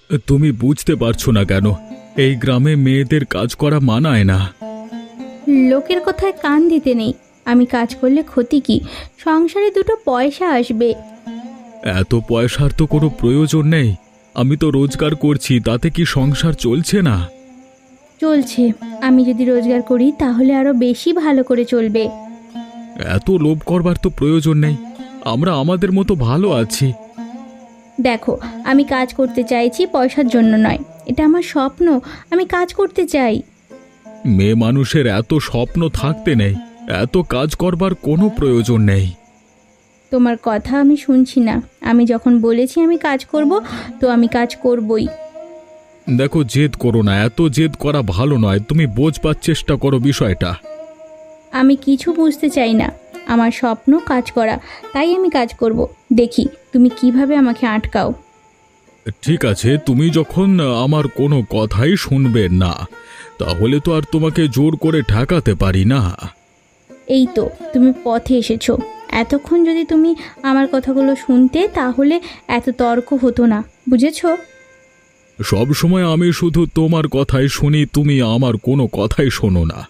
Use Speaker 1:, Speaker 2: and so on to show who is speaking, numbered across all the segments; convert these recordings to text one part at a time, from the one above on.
Speaker 1: তুমি বুঝতে পারছো না কেন? এই গ্রামে মেয়েদের কাজ করা মানায় না।
Speaker 2: লোকের কথায় কান দিতে নেই। আমি কাজ করলে ক্ষতি কি? সংসারে দুটো পয়সা আসবে।
Speaker 1: এত পয়সার তো কোনো প্রয়োজন নেই। আমি তো রোজগার করছি, তাতে কি সংসার চলছে না?
Speaker 2: চলছে। আমি যদি রোজগার করি তাহলে আরো বেশি ভালো করে চলবে।
Speaker 1: এত লোভ করবার তো প্রয়োজন নেই। আমরা আমাদের মতো ভালো আছি।
Speaker 2: দেখো, আমি কাজ করতে চাইছি, পয়সার জন্য নয়। এটা আমার স্বপ্ন। আমি কাজ করতে চাই।
Speaker 1: মেয়ে মানুষের এত স্বপ্ন থাকতে নেই। এত কাজ করবার কোনো প্রয়োজন নেই।
Speaker 2: তোমার কথা আমি শুনছি না। আমি যখন বলেছি আমি কাজ করব, তো আমি কাজ করবই।
Speaker 1: দেখো, জেদ করো না। এত জেদ করা ভালো নয়। তুমি বোঝবার চেষ্টা করো বিষয়টা।
Speaker 2: আমি কিছু বুঝতে চাই না। আমার স্বপ্ন কাজ করা, তাই আমি কাজ করব। দেখি তুমি কিভাবে আমাকে আটকাও।
Speaker 1: ঠিক আছে, তুমি যখন আমার কোনো কথাই শুনবে না, তাহলে তো আর তোমাকে জোর করে ঠেকাতে পারি না।
Speaker 2: এই তো তুমি পথে এসেছো। এতক্ষণ যদি তুমি আমার কথাগুলো শুনতে, তাহলে এত তর্ক হতো না, বুঝেছো?
Speaker 1: সব সময় আমি শুধু তোমার কথাই শুনি, তুমি আমার কোনো কথাই শোনো না।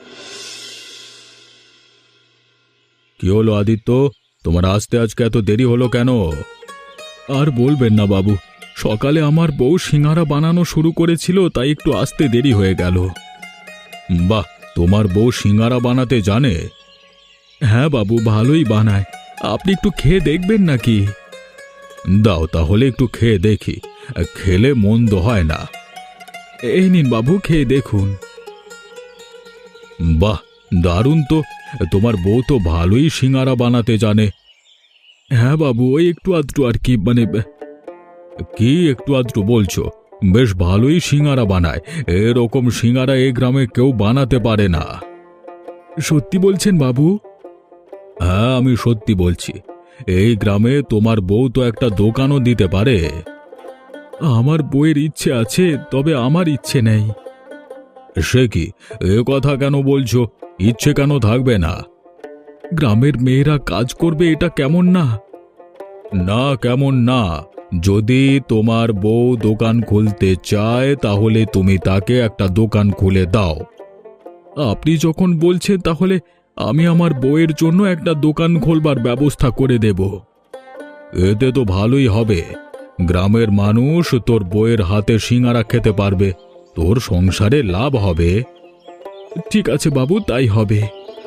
Speaker 1: কি হলো আদিত্য, তোমার আসতে আজকে এত দেরি হলো কেন? আর বলবেন না বাবু, সকালে আমার বউ সিঙ্গারা বানানো শুরু করেছিল, তাই একটু আসতে দেরি হয়ে গেল। বাহ, তোমার বউ সিঙ্গারা বানাতে জানে? হ্যাঁ বাবু, ভালোই বানায়। আপনি একটু খেয়ে দেখবেন নাকি? দাও তাহলে একটু খেয়ে দেখি। খেলে মন্দ হয় না। এই নিন বাবু, খেয়ে দেখুন। বাহ, দারুণ তো। তোমার বউ তো ভালোই সিঙ্গারা বানাতে জানে। হ্যাঁ বাবু, ওই একটু আধটু আর কি, কি একটু আধটু বলছো? বেশ ভালোই সিঙ্গারা বানায়। এরকম সিঙ্গারা এই গ্রামে কেউ বানাতে পারে না। সত্যি বলছেন বাবু? হ্যাঁ, আমি সত্যি বলছি। এই গ্রামে তোমার বউ তো একটা দোকানও দিতে পারে। আমার বউয়ের ইচ্ছে আছে, তবে আমার ইচ্ছে নেই। সে কি, এ কথা কেন বলছো? ইচ্ছে কেন থাকবে না? গ্রামের মেয়েরা কাজ করবে, এটা কেমন না? না, কেমন না? যদি তোমার বউ দোকান খুলতে চায়, তাহলে তুমি তাকে একটা দোকান খুলে দাও। আপনি যখন বলছেন, তাহলে আমি আমার বউয়ের জন্য একটা দোকান খোলবার ব্যবস্থা করে দেব। এতে তো ভালোই হবে। গ্রামের মানুষ তোর বউয়ের হাতে সিঙ্গারা খেতে পারবে, তোর সংসারে লাভ হবে। ঠিক আছে বাবু, তাই হবে।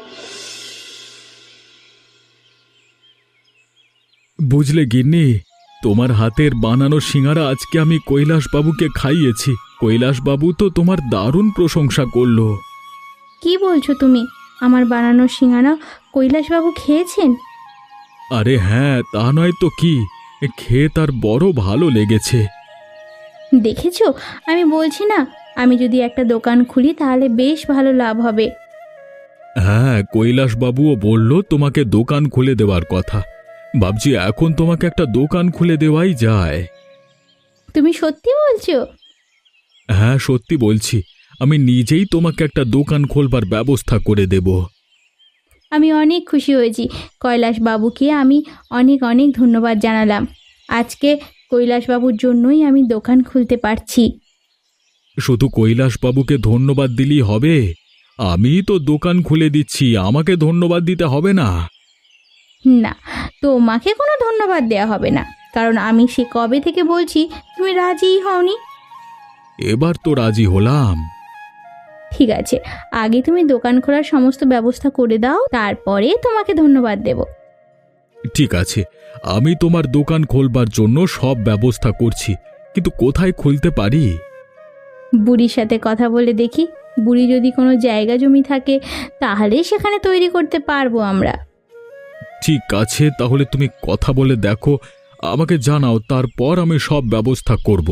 Speaker 1: বুঝলে গিন্নি, তোমার হাতের বানানো সিঙ্গারা আজকে আমি কৈলাসবাবুকে খাইয়েছি। কৈলাসবাবু তো তোমার দারুণ প্রশংসা করলো।
Speaker 2: কি বলছো তুমি? আমার বানানো সিঙ্গারা কৈলাসবাবু খেয়েছেন?
Speaker 1: আরে হ্যাঁ, তা নয় তো কি, খেয়ে তার বড় ভালো লেগেছে।
Speaker 2: দেখেছো, আমি বলছি না, আমি যদি একটা দোকান খুলি তাহলে বেশ ভালো লাভ হবে।
Speaker 1: হ্যাঁ, কৈলাসবাবুও বলল তোমাকে দোকান খুলে দেওয়ার কথা। ভাবছি এখন তোমাকে একটা দোকান খুলে দেওয়াই যায়।
Speaker 2: তুমি সত্যি বলছো?
Speaker 1: হ্যাঁ, সত্যি বলছি। আমি নিজেই তোমাকে একটা দোকান খোলবার ব্যবস্থা করে দেব।
Speaker 2: আমি অনেক খুশি হয়েছি। কৈলাসবাবুকে আমি অনেক অনেক ধন্যবাদ জানালাম। আজকে কৈলাসবাবুর জন্যই আমি দোকান খুলতে পারছি।
Speaker 1: শুধু কৈলাসবাবুকে ধন্যবাদ দিলেই হবে? আমি তো দোকান খুলে দিচ্ছি, আমাকে ধন্যবাদ দিতে হবে না?
Speaker 2: না, তোমাকে কোনো ধন্যবাদ দেওয়া হবে না, কারণ আমি সে কবে থেকে বলছি, তুমি রাজিই হওনি।
Speaker 1: এবার তো রাজি হলাম।
Speaker 2: ঠিক আছে, আগে তুমি দোকান খোলার সমস্ত ব্যবস্থা করে দাও, তারপরে তোমাকে ধন্যবাদ দেব।
Speaker 1: ঠিক আছে, আমি তোমার দোকান খোলবার জন্য সব ব্যবস্থা করছি, কিন্তু কোথায় খুলতে পারি?
Speaker 2: বুড়ির সাথে কথা বলে দেখি। বুড়ি যদি কোনো জায়গা জমি থাকে, তাহলে সেখানে তৈরি করতে পারবো আমরা।
Speaker 1: ঠিক আছে, তাহলে তুমি কথা বলে দেখো, আমাকে জানাও, তারপর আমি সব ব্যবস্থা করব।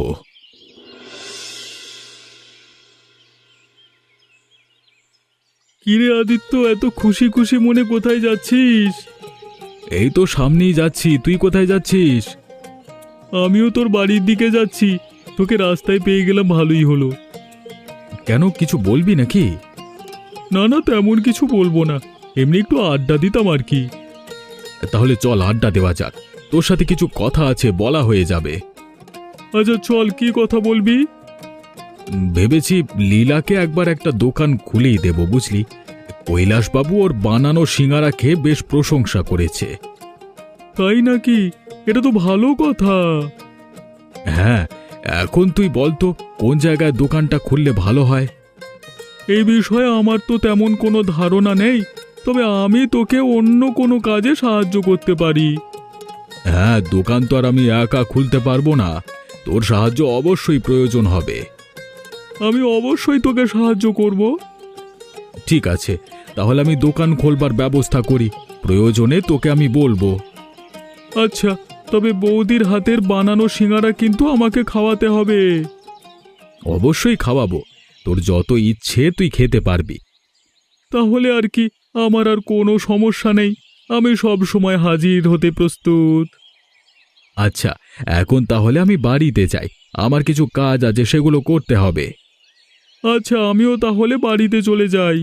Speaker 1: কিরে আদিত্য, এত খুশি খুশি মনে কোথায় যাচ্ছিস? এই তো সামনেই যাচ্ছি। তুই কোথায় যাচ্ছিস? আমিও তোর বাড়ির দিকে যাচ্ছি। তোকে রাস্তায় পেয়ে গেলাম, ভালোই হলো। কেন, কিছু বলবি নাকি? না না, তেমন কিছু বলবো না, এমনি একটু আড্ডা দিতাম আর কি। তাহলে চল আড্ডা দেওয়া যাক, তোর সাথে কিছু কথা আছে, বলা হয়ে যাবে। আচ্ছা চল, কি কথা বলবি? ভেবেছি লীলাকে একবার একটা দোকান খুলেই দেব, বুঝলি। কৈলাসবাবু ওর বানানো সিঙ্গারা খেয়ে বেশ প্রশংসা করেছে। তাই নাকি? এটা তো ভালো কথা। হ্যাঁ, এখন তুই বলতো কোন জায়গায় দোকানটা খুললে ভালো হয়। এই বিষয়ে আমার তো তেমন কোনো ধারণা নেই, তবে আমি তোকে অন্য কোনো কাজে সাহায্য করতে পারি। হ্যাঁ, দোকান তো আর আমি একা খুলতে পারবো না, তোর সাহায্য অবশ্যই প্রয়োজন হবে। আমি অবশ্যই তোকে সাহায্য করব। ঠিক আছে, তাহলে আমি দোকান খোলবার ব্যবস্থা করি, প্রয়োজনে তোকে আমি বলবো। আচ্ছা, তবে বৌদির হাতের বানানো সিঙ্গারা কিন্তু আমাকে খাওয়াতে হবে। অবশ্যই খাওয়াবো, তোর যত ইচ্ছে তুই খেতে পারবি। তাহলে আর কি, আমার আর কোনো সমস্যা নেই, আমি সব সময় হাজির হতে প্রস্তুত। আচ্ছা, এখন তাহলে আমি বাড়িতে যাই, আমার কিছু কাজ আছে, সেগুলো করতে হবে। আচ্ছা, আমিও তাহলে বাড়িতে চলে যাই।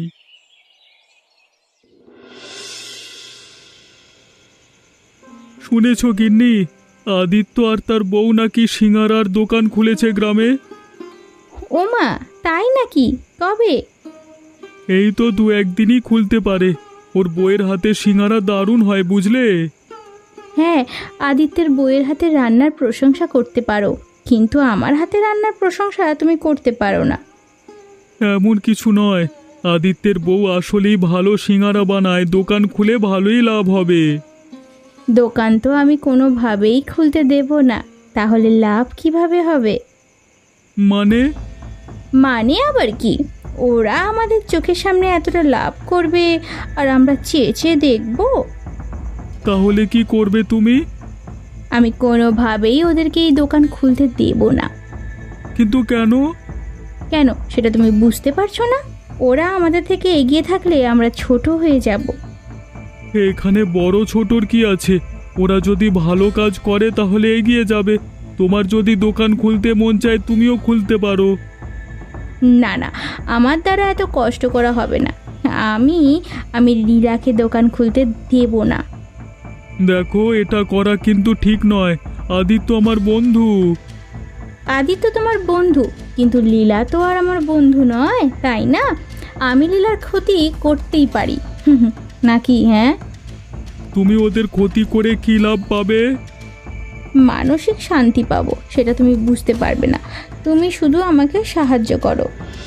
Speaker 1: শুনেছ গিন্নি, আদিত্য আর তার বউ নাকি সিঙ্গারার দোকান খুলেছে গ্রামে?
Speaker 2: ওমা, তাই নাকি? কবে?
Speaker 1: এই তো দু একদিনই খুলতে পারে। ওর বউয়ের হাতে সিঙ্গারা দারুণ হয়, বুঝলে।
Speaker 2: হ্যাঁ, আদিত্যের বইয়ের হাতে রান্নার প্রশংসা করতে পারো, কিন্তু আমার হাতে রান্নার প্রশংসা তুমি করতে পারো না।
Speaker 1: এমন কিছু নয়, আদিত্যের বউ আসলেই ভালো সিঙ্গারা বানায়, দোকান খুলে ভালোই লাভ হবে।
Speaker 2: দোকান তো আমি কোনোভাবেই খুলতে দেব না, তাহলে লাভ কিভাবে হবে?
Speaker 1: মানে?
Speaker 2: মানে আবার কি? ওরা আমাদের চোখের সামনে এতটা লাভ করবে আর আমরা চেয়ে চেয়ে দেখবো?
Speaker 1: তাহলে কি করবে তুমি?
Speaker 2: আমি কোনোভাবেই ওদেরকে এই দোকান খুলতে দেব না।
Speaker 1: কিন্তু কেন?
Speaker 2: কেন সেটা তুমি বুঝতে পারছো না? ওরা আমাদের থেকে এগিয়ে থাকলে আমরা ছোট হয়ে যাব।
Speaker 1: এখানে বড় ছোটর কি আছে? ওরা যদি ভালো কাজ করে তাহলে এগিয়ে যাবে। তোমার যদি দোকান খুলতে মন চায় তুমিও খুলতে পারো।
Speaker 2: না না, আমার দ্বারা এত কষ্ট করা হবে না। আমি আমি লীলাকে দোকান খুলতে দেব না।
Speaker 1: দেখো, এটা করা কিন্তু ঠিক নয়। আদিত্য আমার বন্ধু।
Speaker 2: আদিত্য তোমার বন্ধু, কিন্তু লীলা তো আর আমার বন্ধু নয়, তাই না? আমি লীলার ক্ষতি করতেই পারি, নাকি? হ্যাঁ,
Speaker 1: তুমি ওদের ক্ষতি করে কি লাভ পাবে?
Speaker 2: মানসিক শান্তি পাবো, সেটা তুমি বুঝতে পারবে না। তুমি শুধু আমাকে সাহায্য করো।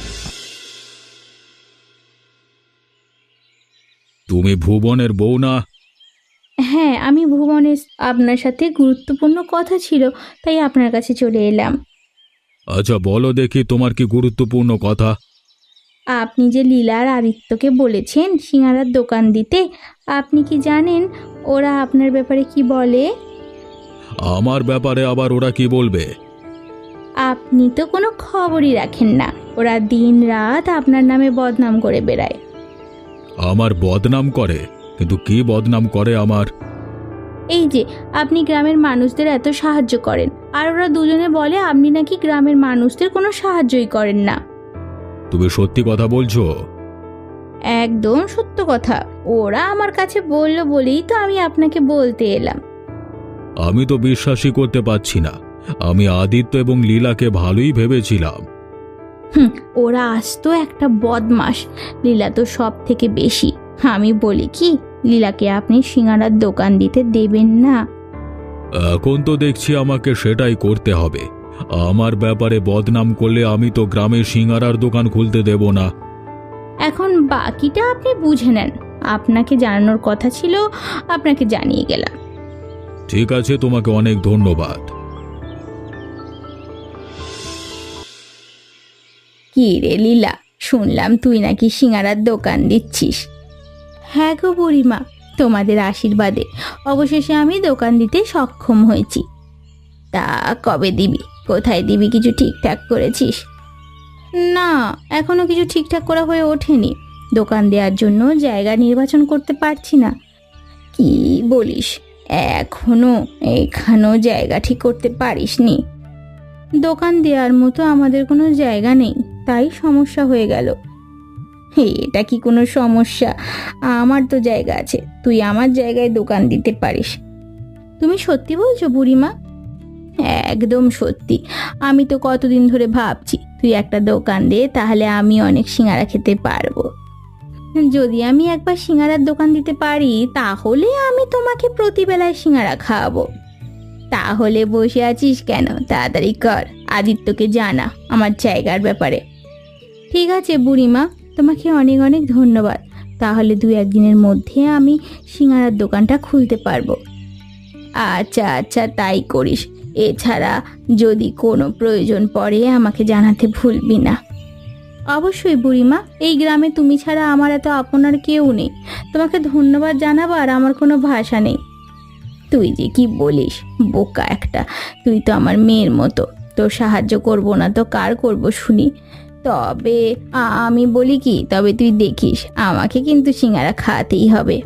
Speaker 1: তুমি ভুবনের বউ না?
Speaker 2: হ্যাঁ, আমি ভুবনের। আপনার সাথে গুরুত্বপূর্ণ কথা ছিল, তাই আপনার কাছে চলে এলাম।
Speaker 1: আচ্ছা বলো দেখি, তোমার কি গুরুত্বপূর্ণ কথা?
Speaker 2: আপনি যে লীলা আর আদিত্যকে বলেছেন সিঙ্গারার দোকান দিতে, আপনি কি জানেন ওরা আপনার ব্যাপারে কি বলে?
Speaker 1: আমার ব্যাপারে আবার ওরা কি বলবে?
Speaker 2: আপনি তো কোনো খবরই রাখেন না, ওরা দিন রাত আপনার নামে বদনাম করে বেড়ায়।
Speaker 1: আমার বদনাম করে? কিন্তু কি বদনাম করে আমার?
Speaker 2: এই যে আপনি গ্রামের মানুষদের এত সাহায্য করেন, আর ওরা দুজনে বলে আপনি নাকি গ্রামের মানুষদের কোনো সাহায্যই করেন না।
Speaker 1: তুমি সত্যি কথা বলছো?
Speaker 2: একদম সত্য কথা। ওরা আমার কাছে বলল বলেই তো আমি আপনাকে বলতে এলাম।
Speaker 1: আমি তো বিশ্বাসই করতে পারছি না। আমি আদিত্য এবং লীলাকে ভালোই ভেবেছিলাম।
Speaker 2: ওরা আসতো একটা বদমাস, লীলা তো সব থেকে বেশি। আমি বলি কি, লীলাকে আপনি সিঙ্গারার দোকান দিতে দেবেন না।
Speaker 1: এখন তো দেখছি আমাকে সেটাই করতে হবে। আমার ব্যাপারে বদনাম করলে আমি তো গ্রামে সিঙ্গারার দোকান খুলতে দেব না।
Speaker 2: এখন বাকিটা আপনি বুঝে নেন। আপনাকে জানানোর কথা ছিল, আপনাকে জানিয়ে গেলাম।
Speaker 1: ঠিক আছে, তোমাকে অনেক ধন্যবাদ।
Speaker 2: কি রে লীলা, শুনলাম তুই নাকি সিঙ্গারার দোকান দিচ্ছিস। হ্যাঁ গো বুড়িমা, তোমাদের আশীর্বাদে অবশেষে আমি দোকান দিতে সক্ষম হয়েছি। তা কবে দিবি? কোথায় দিবি? কিছু ঠিকঠাক করেছিস? না, এখনো কিছু ঠিকঠাক করা হয়ে ওঠেনি। দোকান দেওয়ার জন্য জায়গা নির্বাচন করতে পারছি না। কি বলিস, এখানেও জায়গা ঠিক করতে পারিসনি? দোকান দেওয়ার মতো আমাদের কোনো জায়গা নেই, তাই সমস্যা হয়ে গেল। এটা কি কোনো সমস্যা? আমার তো জায়গা আছে, তুই আমার জায়গায় দোকান দিতে পারিস। তুমি সত্যি বলছো বুড়িমা? একদম সত্যি। আমি তো কতদিন ধরে ভাবছি তুই একটা দোকান দে, তাহলে আমি অনেক সিঙ্গারা খেতে পারবো। যদি আমি একবার সিঙ্গারার দোকান দিতে পারি তাহলে আমি তোমাকে প্রতিবেলায় সিঙ্গারা খাওয়াবো। তাহলে বসে আছিস কেন, তাড়াতাড়ি কর, আদিত্যকে জানা আমার জায়গার ব্যাপারে। ঠিক আছে বুড়িমা, তোমাকে অনেক অনেক ধন্যবাদ। তাহলে 2-1 দিনের মধ্যে আমি সিঙ্গারার দোকানটা খুলতে পারবো। আচ্ছা আচ্ছা, তাই করিস। এছাড়া যদি কোনো প্রয়োজন পড়ে আমাকে জানাতে ভুলবি না। অবশ্যই বুড়িমা, এই গ্রামে তুমি ছাড়া আমার এত আপনার কেউ নেই। তোমাকে ধন্যবাদ জানাবার আমার কোনো ভাষা নেই। তুই যে কি বলিস, বোকা একটা। তুই তো আমার মেয়ের মতো, তোর সাহায্য করব না তো কার করব শুনি। তবে আমি বলি কি, তবে তুই দেখিস আমাকে কিন্তু সিঙ্গারা খাওয়াতেই হবে।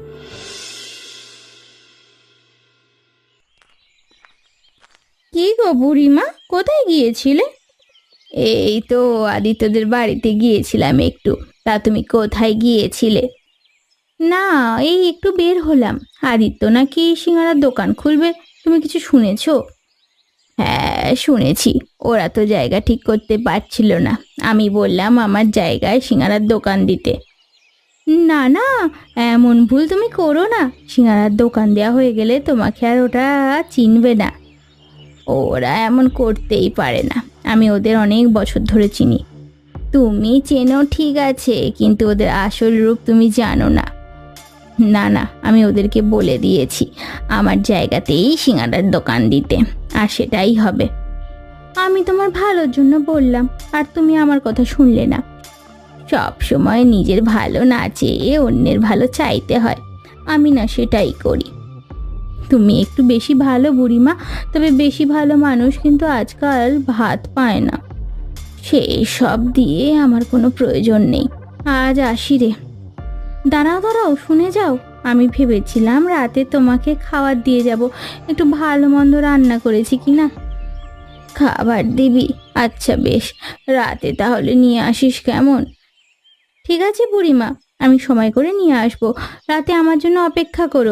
Speaker 2: কি গো বুড়িমা, কোথায় গিয়েছিলে? এই তো আদিত্যদের বাড়িতে গিয়েছিলাম একটু। তা তুমি কোথায় গিয়েছিলে? না, এই একটু বের হলাম। আদিত্য নাকি সিঙ্গারার দোকান খুলবে, তুমি কিছু শুনেছো? হ্যাঁ শুনেছি, ওরা তো জায়গা ঠিক করতে পারছিল না। আমি বললাম আমার জায়গায় সিঙ্গারার দোকান দিতে। না না, এমন ভুল তুমি করো না। সিঙ্গারার দোকান দেওয়া হয়ে গেলে তোমাকে আর ওটা চিনবে না। ওরা এমন করতেই পারে না, আমি ওদের অনেক বছর ধরে চিনি। তুমি চেনো ঠিক আছে, কিন্তু ওদের আসল রূপ তুমি জানো না। না না, আমি ওদেরকে বলে দিয়েছি আমার জায়গাতেই সিঙ্গারার দোকান দিতে, আর সেটাই হবে। আমি তোমার ভালোর জন্য বললাম, আর তুমি আমার কথা শুনলে না। সব সময় নিজের ভালো না চেয়ে অন্যের ভালো চাইতে হয়, আমি না সেটাই করি। তুমি একটু বেশি ভালো বুড়িমা, তবে বেশি ভালো মানুষ কিন্তু আজকাল ভাত পায় না। সেই সব দিয়ে আমার কোনো প্রয়োজন নেই। আজ আসি রে। দাঁড়াও দাঁড়াও, শুনে যাও। আমি ভেবেছিলাম রাতে তোমাকে খাবার দিয়ে যাব, একটু ভালো মন্দ রান্না করেছি কি না। খাবার দিবি? আচ্ছা বেশ, রাতে তাহলে নিয়ে আসিস কেমন? ঠিক আছে বুড়িমা, আমি সময় করে নিয়ে আসবো। রাতে আমার জন্য অপেক্ষা করো।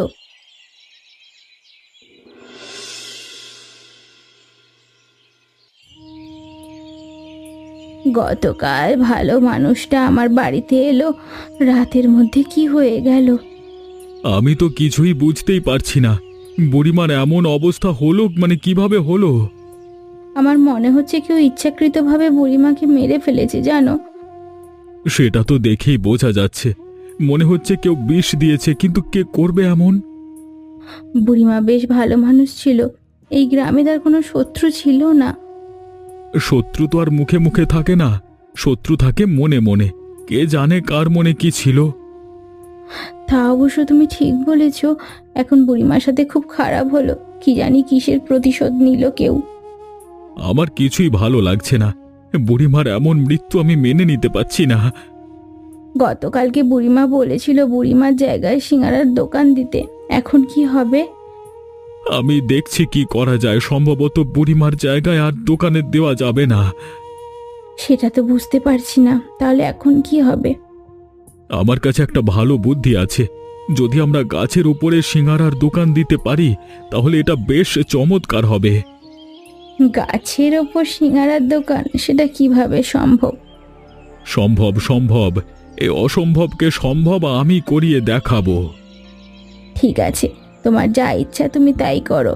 Speaker 2: গতকাল ভালো মানুষটা আমার বাড়িতে এলো, রাতের মধ্যে কি হয়ে গেল?
Speaker 1: আমি তো কিছুই বুঝতেই পারছি না। বুড়িমার এমন অবস্থা হলো, মানে কিভাবে হলো?
Speaker 2: আমার মনে হচ্ছে কেউ ইচ্ছাকৃতভাবে বুড়িমাকে মেরে ফেলেছে জানো।
Speaker 1: সেটা তো দেখেই বোঝা যাচ্ছে। মনে হচ্ছে কেউ বিষ দিয়েছে, কিন্তু কে করবে এমন?
Speaker 2: বুড়িমা বেশ ভালো মানুষ ছিল, এই গ্রামে তার কোনো শত্রু ছিল না।
Speaker 1: শত্রু তো আর মুখে মুখে থাকে না, শত্রু থাকে মনে মনে। কে জানে কার মনে কি ছিল।
Speaker 2: তা অবশ্য তুমি ঠিক বলেছ। এখন বুড়িমার সাথে খুব খারাপ হলো, কি জানি কিসের প্রতিশোধ নিল কেউ।
Speaker 1: আমার কিছুই ভালো লাগছে না। বুড়িমার এমন মৃত্যু আমি মেনে নিতে পারছি না।
Speaker 2: গতকালকে বুড়িমা বলেছিল বুড়িমার জায়গায় সিঙ্গারার দোকান দিতে, এখন কি হবে?
Speaker 1: আমি দেখছি কি করা যায়। সম্ভবত বুড়িমার জায়গায় আর দোকানে দেওয়া যাবে না।
Speaker 2: সেটা তো বুঝতে পারছি না, তাহলে এখন কি হবে?
Speaker 1: আমার কাছে একটা ভালো বুদ্ধি আছে। যদি আমরা গাছের উপরে সিঙ্গারার দোকান দিতে পারি তাহলে এটা বেশ চমৎকার হবে।
Speaker 2: গাছের ওপর সিঙ্গারার দোকান, সেটা কিভাবে সম্ভব?
Speaker 1: সম্ভব সম্ভব, এই অসম্ভবকে সম্ভব আমি করিয়ে দেখাবো।
Speaker 2: ঠিক আছে, তোমার যা ইচ্ছা তুমি তাই করো।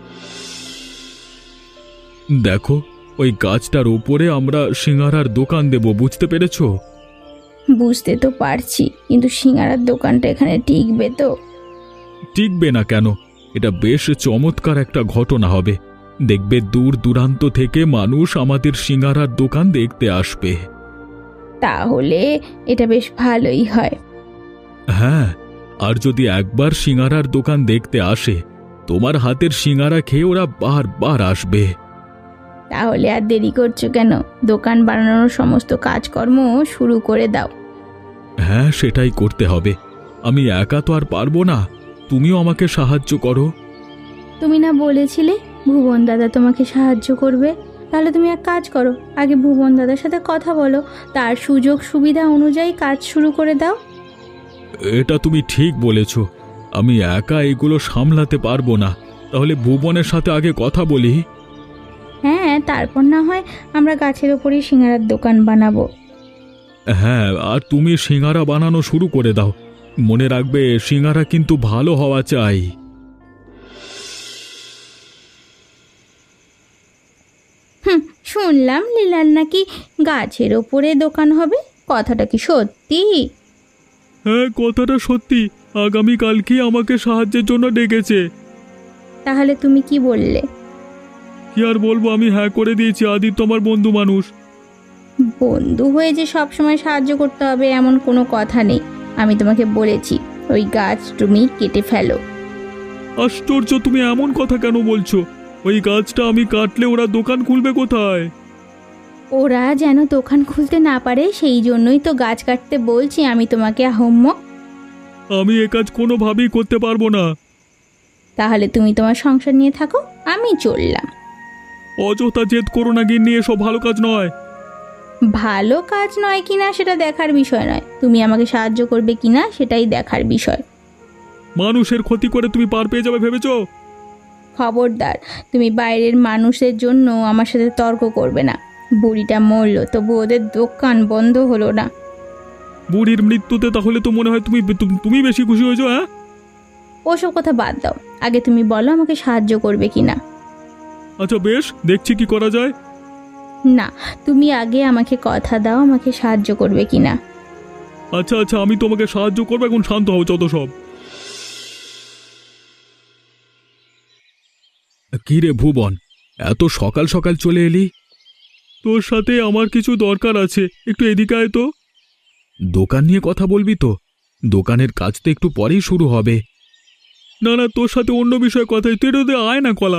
Speaker 1: দেখো, ওই গাছটার উপরে আমরা সিঙ্গারার দোকান দেব, বুঝতে পেরেছো?
Speaker 2: বুঝতে তো পারছি, কিন্তু সিঙ্গারার দোকানটা এখানে টিকবে তো?
Speaker 1: টিকবে না কেন? এটা বেশ চমৎকার একটা ঘটনা হবে। দেখবে দূর দূরান্ত থেকে মানুষ আমাদের সিঙ্গারার দোকান দেখতে আসবে।
Speaker 2: তাহলে এটা বেশ ভালোই হয়।
Speaker 1: হ্যাঁ, আর যদি একবার সিঙ্গারার দোকান দেখতে আসে, তোমার হাতের সিঙ্গারা খেয়ে ওরা বারবার আসবে।
Speaker 2: তাহলে আর দেরি করছো কেন? দোকান বানানোর সমস্ত কাজকর্ম শুরু করে দাও।
Speaker 1: হ্যাঁ, সেটাই করতে হবে। আমি একা তো আর পারবো না, তুমিও আমাকে সাহায্য করো।
Speaker 2: তুমি না বলেছিলে ভুবন দাদা তোমাকে সাহায্য করবে? তাহলে তুমি এক কাজ করো, আগে ভুবন দাদার সাথে কথা বলো, তার সুযোগ সুবিধা অনুযায়ী কাজ শুরু করে দাও।
Speaker 1: এটা তুমি ঠিক বলেছ। আমি একা এগুলো সামলাতে পারবো না। তাহলে ভুবনের সাথে আগে কথা বলি।
Speaker 2: হ্যাঁ, তারপর না হয় আমরা গাছের ওপরেই সিঙ্গারার দোকান বানাবো।
Speaker 1: হ্যাঁ, আর তুমি সিঙারা বানানো শুরু করে দাও। মনে রাখবে সিঙারা কিন্তু ভালো হওয়া চাই।
Speaker 2: হুম, শুনলাম লীলার নাকি গাছের ওপরে দোকান হবে, কথাটা কি সত্যি?
Speaker 1: হ্যাঁ, কথাটা সত্যি। আগামীকালকে আমাকে সাহায্যের জন্য ডেকেছে।
Speaker 2: তাহলে তুমি কি বললে?
Speaker 1: কি আর বলবো, আমি হ্যাঁ করে দিয়েছি। আদিত্য আমার বন্ধু মানুষ।
Speaker 2: বন্ধু হয়ে যে সব সময় সাহায্য করতে হবে এমন কোনো কথা নেই। আমি তোমাকে বলেছি ওই গাছ তুমি কেটে ফেলো।
Speaker 1: আশ্চর্য, তুমি এমন কথা কেন বলছো? ওই গাছটা আমি কাটলে ওরা দোকান খুলবে কোথায়?
Speaker 2: ওরা যেন দোকান খুলতে না পারে সেই জন্যই তো গাছ কাটতে বলছি আমি তোমাকে, আহম্মক।
Speaker 1: আমি এ কাজ কোনোভাবেই করতে পারবো না।
Speaker 2: তাহলে তুমি তোমার সংসার নিয়ে থাকো, আমি চললাম।
Speaker 1: অযথা জেদ করো না গিন্নি, এসব ভালো কাজ নয়।
Speaker 2: ভালো কাজ নয় কিনা সেটা দেখার বিষয় নয়, তুমি আমাকে সাহায্য করবে কিনা সেটাই দেখার বিষয়।
Speaker 1: মানুষের ক্ষতি করে তুমি পার পেয়ে যাবে ভেবেছো?
Speaker 2: খবরদার, তুমি বাইরের মানুষের জন্য আমার সাথে তর্ক করবে না। বুড়িটা মরলো তবু ওদের দোকান বন্ধ হলো না।
Speaker 1: বুড়ির মৃত্যুতে তাহলে তো মনে হয় তুমি বেশি খুশি হয়েছো। হ্যাঁ,
Speaker 2: ওসব কথা বাদ দাও, আগে তুমি বলো আমাকে সাহায্য করবে কিনা।
Speaker 1: আচ্ছা বেশ, দেখছি কি করা যায়।
Speaker 2: না, তুমি আগে আমাকে কথা দাও আমাকে সাহায্য করবে কিনা।
Speaker 1: আচ্ছা আচ্ছা, আমি তোমাকে সাহায্য করবো, এখন শান্ত হও যত সব। কি রে ভুবন, এত সকাল সকাল চলে এলি? তোর সাথে আমার কিছু দরকার আছে, একটু এদিকে আয় তো। দোকান নিয়ে কথা বলবি তো? দোকানের কাজ তো একটু পরেই শুরু হবে। না না, তোর সাথে অন্য বিষয়ে কথা, তুই এটা আয় না কলা।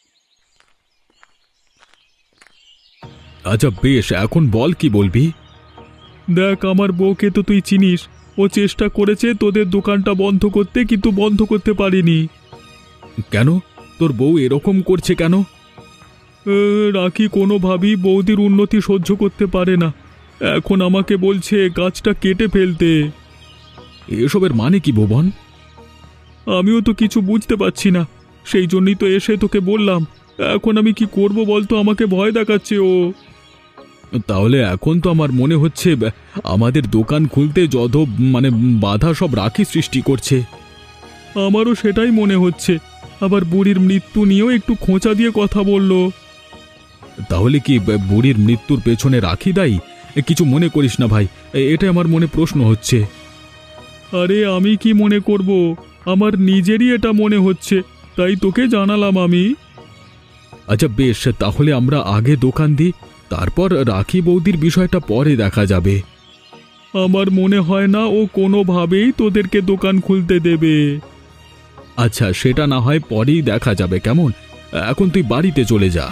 Speaker 1: আচ্ছা বেশ, এখন বল কি বলবি। দেখ, আমার বউকে তো তুই চিনিস। ও চেষ্টা করেছে তোদের দোকানটা বন্ধ করতে, কিন্তু বন্ধ করতে পারিনি। কেন? তোর বউ এরকম করছে কেন? রাখি কোনোভাবেই বৌদির উন্নতি সহ্য করতে পারে না। এখন আমাকে বলছে গাছটা কেটে ফেলতে। এসবের মানে কি ভুবন? আমিও তো কিছু বুঝতে পারছি না, সেই জন্যই তো এসে তোকে বললাম। এখন আমি কি করব বলতো, আমাকে ভয় দেখাচ্ছে ও। তাহলে এখন তো আমার মনে হচ্ছে আমাদের দোকান খুলতে যত বাধা সব রাখি সৃষ্টি করছে। আমারও সেটাই মনে হচ্ছে। আবার বুড়ির মৃত্যু নিয়েও একটু খোঁচা দিয়ে কথা বলল। তাহলে কি বুড়ির মৃত্যুর পেছনে রাখি দায়ী? কিছু মনে করিস না ভাই, এটা আমার মনে প্রশ্ন হচ্ছে। আরে আমি কি মনে করব, আমার নিজেরই এটা মনে হচ্ছে, তাই তোকে জানালাম আমি। আচ্ছা বেশ, তাহলে আমরা আগে দোকান দিই, তারপর রাখি বৌদির বিষয়টা পরে দেখা যাবে। আমার মনে হয় না ও কোনোভাবেই তোদেরকে দোকান খুলতে দেবে। আচ্ছা, সেটা না হয় পরেই দেখা যাবে, কেমন? এখন তুই বাড়িতে চলে যা।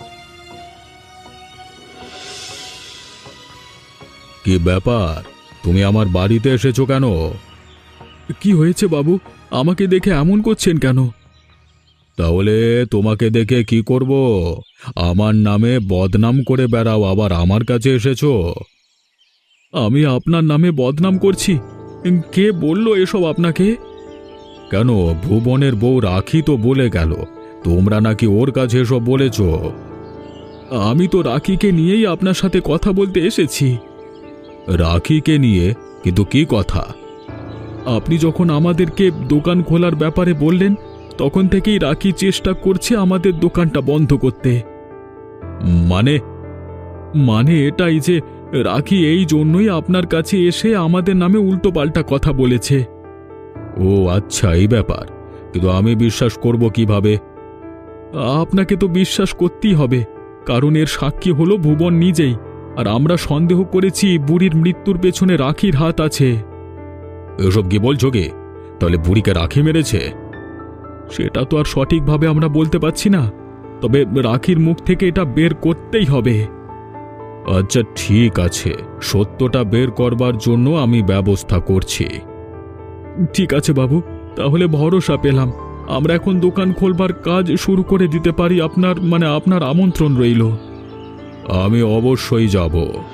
Speaker 1: কি ব্যাপার, তুমি আমার বাড়িতে এসেছো কেন? কি হয়েছে বাবু, আমাকে দেখে এমন করছেন কেন? তাহলে তোমাকে দেখে কি করব? আমার নামে বদনাম করে বেড়াও, আবার আমার কাছে এসেছো? আমি আপনার নামে বদনাম করছি? কে বলল এসব আপনাকে? কেন, ভুবনের বউ রাখি তো বলে গেল তোমরা নাকি ওর কাছে এসব বলেছ। আমি তো রাখিকে নিয়েই আপনার সাথে কথা বলতে এসেছি। রাখিকে নিয়ে? কিন্তু কি কথা? আপনি যখন আমাদেরকে দোকান খোলার ব্যাপারে বললেন, তখন থেকেই রাখি চেষ্টা করছে আমাদের দোকানটা বন্ধ করতে। মানে? মানে এটাই যে রাখি এই জন্যই আপনার কাছে এসে আমাদের নামে উল্টোপাল্টা কথা বলেছে। ও আচ্ছা, এই ব্যাপার। কিন্তু আমি বিশ্বাস করব কিভাবে? আপনাকে তো বিশ্বাস করতেই হবে, কারণ এর সাক্ষী হলো ভুবন নিজেই। আর আমরা সন্দেহ করেছি বুড়ির মৃত্যুর পেছনে রাখির হাত আছে। এসব কি বলছো গে? তাহলে বুড়িকে রাখি মেরেছে? সেটা তো আর সঠিকভাবে আমরা বলতে পারছি না, তবে রাখির মুখ থেকে এটা বের করতেই হবে। আচ্ছা ঠিক আছে, সত্যটা বের করবার জন্য আমি ব্যবস্থা করছি। ঠিক আছে বাবু, তাহলে ভরসা পেলাম। আমরা এখন দোকান খোলবার কাজ শুরু করে দিতে পারি। আপনার আমন্ত্রণ রইল। আমি অবশ্যই যাব।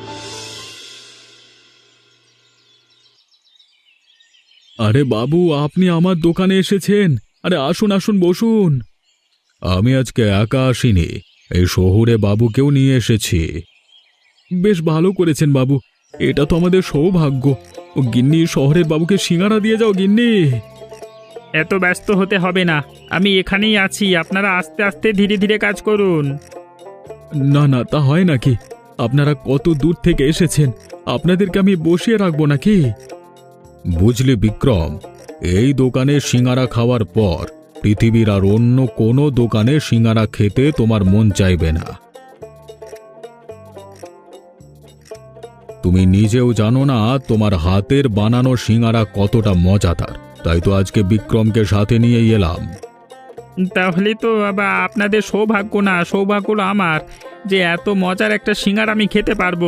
Speaker 1: আরে বাবু, আপনি আমার দোকানে এসেছেন? আরে আসুন আসুন, বসুন। আমি আজকে একা আসিনি, এই শহুরে বাবুকেও নিয়ে এসেছি। বেশ ভালো করেছেন বাবু, এটা তো আমাদের সৌভাগ্য। ও গিন্নি, শহরের বাবুকে সিঙ্গারা দিয়ে যাও গিন্নি।
Speaker 3: এত ব্যস্ত হতে হবে না, আমি এখানেই আছি, আপনারা আস্তে আস্তে ধীরে ধীরে কাজ করুন।
Speaker 1: না না, তা হয় নাকি? আপনারা কত দূর থেকে এসেছেন, আপনাদেরকে আমি বসিয়ে রাখবো নাকি? বুঝলি বিক্রম, এই দোকানে সিঙ্গারা খাওয়ার পর পৃথিবীর আর অন্য কোনো দোকানে সিঙ্গারা খেতে তোমার মন চাইবে না। তুমি নিজেও জানো না তোমার হাতের বানানো সিঙ্গারা কতটা মজাদার, তাই তো আজকে বিক্রমকে সাথে নিয়ে এলাম।
Speaker 3: তাহলে তো আবার আপনাদের সৌভাগ্য না, সৌভাগ্য হলো আমার যে এত মজার একটা সিঙ্গারা আমি খেতে পারবো।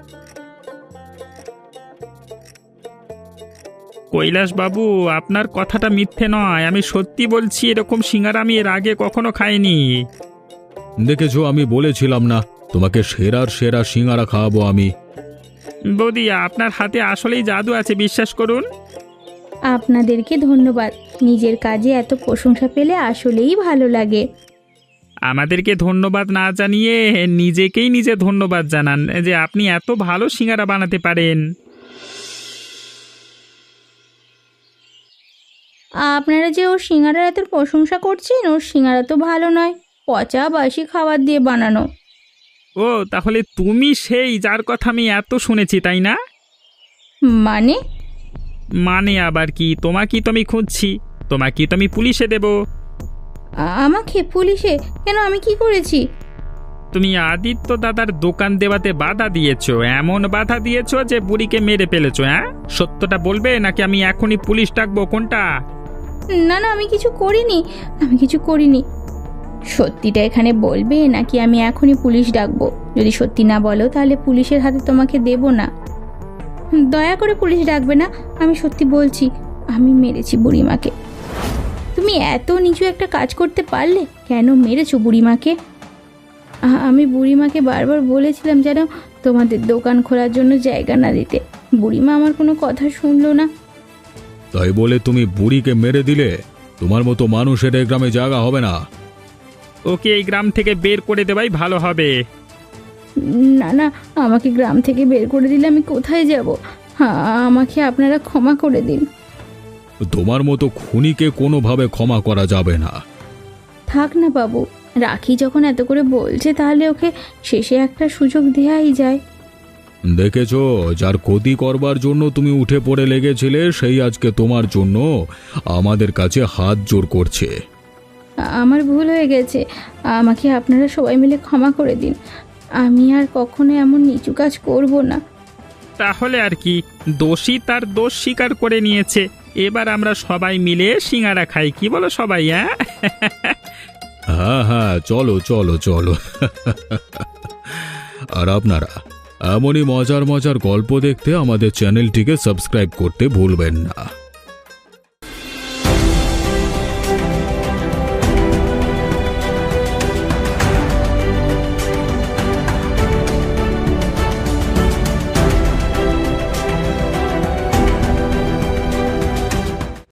Speaker 3: কৈলাস বাবু, আপনার কথাটা মিথ্যে নয়, আমি সত্যি বলছি, এরকম সিঙ্গারা আমি এর আগে কখনো খাইনি।
Speaker 1: দেখেছো, আমি বলেছিলাম না তোমাকে সেরার সেরা সিঙ্গারা খাওয়াবো আমি।
Speaker 3: বৌদি, আপনার হাতে আসলেই জাদু আছে, বিশ্বাস করুন।
Speaker 2: আপনাদেরকে ধন্যবাদ, নিজের কাজে এত প্রশংসা পেলে আসলেই ভালো লাগে।
Speaker 3: আমাদেরকে ধন্যবাদ না জানিয়ে নিজেকেই নিজে ধন্যবাদ জানান যে আপনি এত ভালো সিঙ্গারা বানাতে পারেন।
Speaker 2: আপনারা যে ওর সিঙ্গারার এত প্রশংসা করছেন, ওর সিঙ্গারা তো ভালো নয়, পচা বাসি খাবার দিয়ে বানানো।
Speaker 3: ও, তাহলে তুমি সেই যার কথা আমি এত শুনেছি, তাই না?
Speaker 2: মানে?
Speaker 3: মানে আবার কি? তোমাকেই তো আমি খুঁজছি, তোমাকেই তো আমি পুলিশে দেব।
Speaker 2: আমাকে পুলিশে কেন? আমি কি করেছি?
Speaker 3: তুমি আদিত্য দাদার দোকান দেওয়াতে বাধা দিয়েছো, এমন বাধা দিয়েছো যে বুড়িকে মেরে ফেলেছো। হ্যাঁ, সত্যটা বলবে নাকি আমি এখনই পুলিশ ডাকবো, কোনটা?
Speaker 2: না না, আমি কিছু করিনি, আমি কিছু করিনি। সত্যিটা এখানে বলবে নাকি আমি এখনই পুলিশ ডাকবো? যদি সত্যি না বলো তাহলে পুলিশের হাতে তোমাকে দেব না। দয়া করে পুলিশ ডাকবে না, আমি সত্যি বলছি, আমি মেরেছি বুড়িমাকে। তুমি এত নিচু একটা কাজ করতে পারলে? কেন মেরেছো বুড়িমাকে? আমি বুড়িমাকে বারবার বলেছিলাম যেন তোমাদের দোকান খোলার জন্য জায়গা না দিতে, বুড়িমা আমার কোনো কথা শুনলো না।
Speaker 1: তাই বলে তুমি বুড়িকে মেরে দিলে? তোমার মতো মানুষের এই গ্রামে জায়গা হবে না।
Speaker 3: ওকে এই গ্রাম থেকে বের করে দেওয়াই ভালো হবে।
Speaker 2: না না, আমাকে গ্রাম থেকে বের করে দিলে আমি কোথায় যাব? আমাকে আপনারা ক্ষমা করে দিন।
Speaker 1: তোমার মতো খুনিকে কোনোভাবে ক্ষমা করা যাবে না।
Speaker 2: থাক না বাবু, রাখি যখন এত করে বলছে তাহলে ওকে শেষে একটা সুযোগ দেওয়াই যায়।
Speaker 1: দেখেছো, যার ক্ষতি করবার জন্য তুমি উঠে পড়ে লেগেছিলে সেই আজকে তোমার জন্য আমাদের কাছে হাত জোড় করছে।
Speaker 2: আমার ভুল হয়ে গেছে, আমাকে আপনারা সবাই মিলে ক্ষমা করে দিন। আমি আর কখনো এমন নিচু কাজ করব না।
Speaker 3: তাহলে আর কি, দোষী তার দোষ স্বীকার করে নিয়েছে, এবার আমরা সবাই মিলে সিঙ্গারা খাই, কি বলো সবাই? হ্যাঁ
Speaker 1: হ্যাঁ হ্যাঁ, চলো চলো চলো। আর আপনারা এমনই মজার মজার গল্প দেখতে আমাদের চ্যানেলটিকে সাবস্ক্রাইব করতে ভুলবেন না।